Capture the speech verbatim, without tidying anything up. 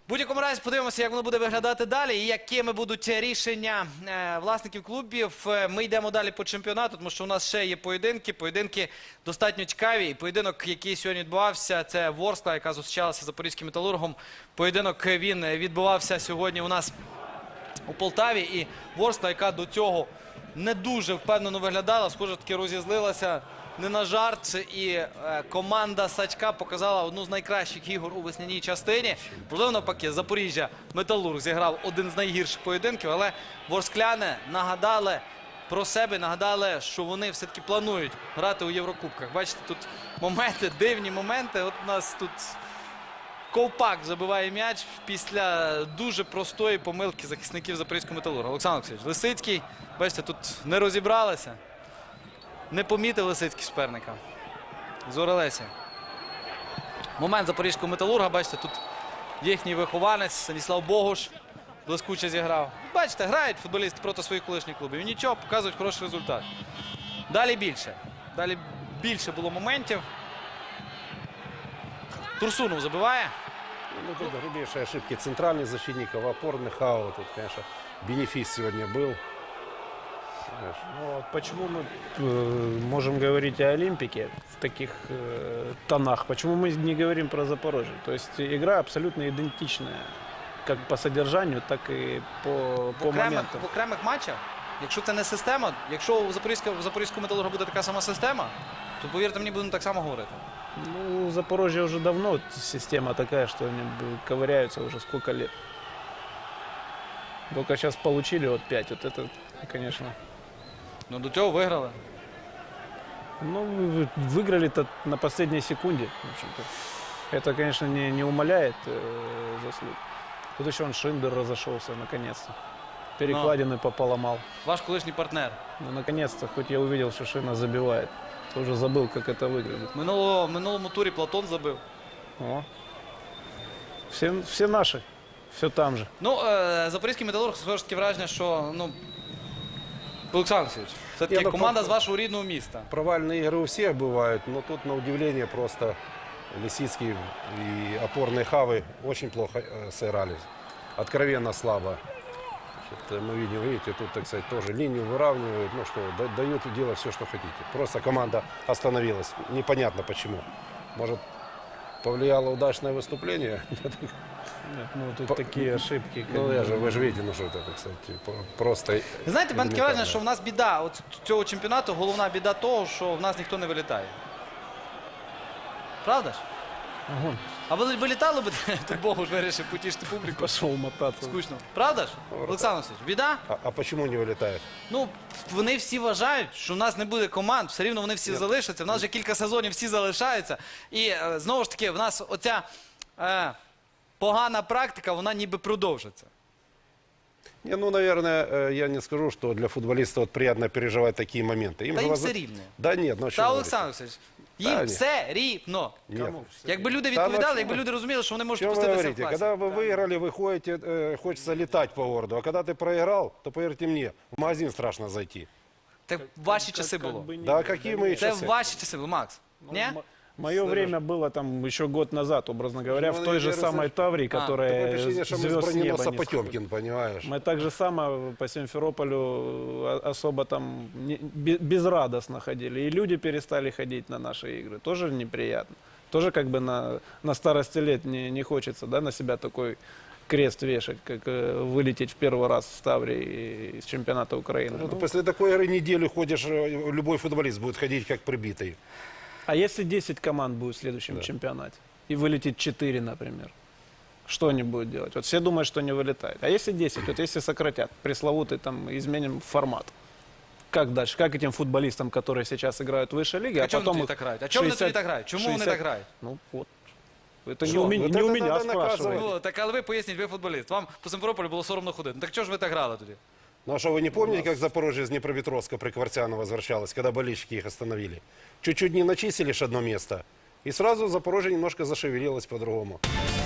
будь-якому разі подивимося, як воно буде виглядати далі і якими будуть рішення е, власників клубів. Е, Ми йдемо далі по чемпіонату, тому що у нас ще є поєдинки. Поєдинки достатньо цікаві. І поєдинок, який сьогодні відбувався, це Ворскла, яка зустрічалася з Запорізьким Металургом. Поєдинок він відбувався сьогодні у нас у Полтаві. І Ворскла, яка до цього не дуже впевнено виглядала, схоже, таки розізлилася не на жарт. І е, команда Сачка показала одну з найкращих ігор у весняній частині. Можливо, навпаки, Запоріжжя Металург зіграв один з найгірших поєдинків, але ворскляни нагадали про себе, нагадали, що вони все-таки планують грати у Єврокубках. Бачите, тут моменти, дивні моменти. От у нас тут Ковпак забиває м'яч після дуже простої помилки захисників Запорізького Металурга. Олександр Олексійович, Лисицький, бачите, тут не розібралися. Не помітив Лисицький суперника. Зорелесі. Момент Запорізького Металурга, бачите, тут їхній вихованець Станіслав Богуш блискуче зіграв. Бачите, грають футболісти проти своїх колишніх клубів. І нічого, показують хороший результат. Далі більше. Далі більше було моментів. Турсунов забиває. Ну, тут грубейшие ошибки центральных защитников, опорных аут. Тут, конечно, бенефис сегодня был. Ну, вот почему мы э, можем говорить о Олимпике в таких э, тонах? Почему мы не говорим про Запорожье? То есть игра абсолютно идентичная, как по содержанию, так и по, В по окремих, моментам. в окремих матчах, якщо це не система, якщо у Запорізького, у Запорізького Металурга буде така сама система, то, повірте мені, будемо так само говорити. Ну, у Запорожья уже давно система такая, что они ковыряются уже сколько лет. Только сейчас получили вот пять, вот это, конечно... Ну, до цього виграли. Ну, вы- выиграли-то на последней секунде, в общем-то. Это, конечно, не, не умаляет э, заслуг. Тут еще он Шиндер разошелся, наконец-то. Перекладины пополомал. Ваш колишній партнер. Ну, наконец-то, хоть я увидел, что Шина забивает. Тоже забыл, как это выглядит. Минулого, минулому турі Платон забив. О. Все, все наши, все там же. Ну, е, Запорізький Металург, все ж таки враження, що, ну, Олександр Олексійович, все-таки Ні, ну, команда про- з вашого рідного міста. Провальные игры у всех бывают, но тут, на удивление, просто Лисицкий и опорные хавы очень плохо э, сыграли. Откровенно слабо. Значит, мы видим, видите, тут, так сказать, тоже линию выравнивают. Ну что, да- дают делать все, что хотите. Просто команда остановилась. Непонятно почему. Может, повлияло удачное выступление? Нет, ну, тут По- такие ошибки. как Ну, бы. я же, вы же видите, ну что это, так сказать, по- просто... Ви знаєте, в мене таке враження, элементарно. що в нас біда от цього чемпіонату, головна біда того, що в нас ніхто не вилітає. Правда ж? Ага. А ви вилітали б, то Богу ж вирішив потішити публіку. Пошел мотаться. Скучно. Правда ж? Олександр Олексійович, біда? А, а почему не вылетает? Ну, вони всі вважають, що в нас не буде команд, все рівно вони всі залишаться. В нас вже кілька сезонів всі залишаються. І е, знову ж таки, в нас оця е, погана практика, вона ніби продовжиться. Не, ну, наверное, э, я не скажу, что для футболиста вот приятно переживать такие моменты. Та же їм воз- все рівно. Да нет, ну а что Та, вы Олександр говорите? Олексійович, їм Та ні. все рівно. Нет. Кому? Якби люди Та, ну, відповідали, чому? якби люди розуміли, що вони можуть Чем вы пуститися в говорите? класі. Когда вы выиграли, вы ходите, э, хочется летать по городу. А когда ты проиграл, то, поверьте мне, в магазин страшно зайти. Це в ваші Как- часи как було. бы не Да, было. какие Да мы нет. Це часы? в ваші часи було, Макс. Ні? Мое время было там еще год назад, образно говоря, Ну, в той же наверное, самой Таврии, А, которая Такое впечатление, что мы с звезд с неба броненоса не Потемкин, понимаешь? Мы так же само по Симферополю о- особо там не- бе- безрадостно ходили. И люди перестали ходить на наши игры. Тоже неприятно. Тоже как бы на, на старости лет не, не хочется, да, на себя такой крест вешать, как э, вылететь в первый раз с Таврии из чемпионата Украины. Ну, Ну, После такой игры неделю ходишь, э, любой футболист будет ходить как прибитый. а если десять команд будет в следующем Да. чемпионате и вылетит четыре, например? Что они будут делать? Вот все думают, что не вылетает. А если десять, вот если сократят, пресловутый там, изменим формат, как дальше? Как этим футболистам, которые сейчас играют в высшей лиге, А а, чому вони потом тоді их так грають? А чому вони тоді шестьдесят так грають? Чому вони шестьдесят так грають? Ну вот. Это Что? не у, меня- Вот не у это меня надо спрашивают. наказывать. Ну, так, але ви поясніть, ви футболіст. Вам по Симферополю було соромно ходити. Ну, так чого ж ви так грали тоді? Ну а что, вы не помните, как Запорожье из Днепропетровска при Квартяно возвращалось, когда болельщики их остановили? Чуть-чуть не начистили ж одно место, и сразу Запорожье немножко зашевелилось по-другому.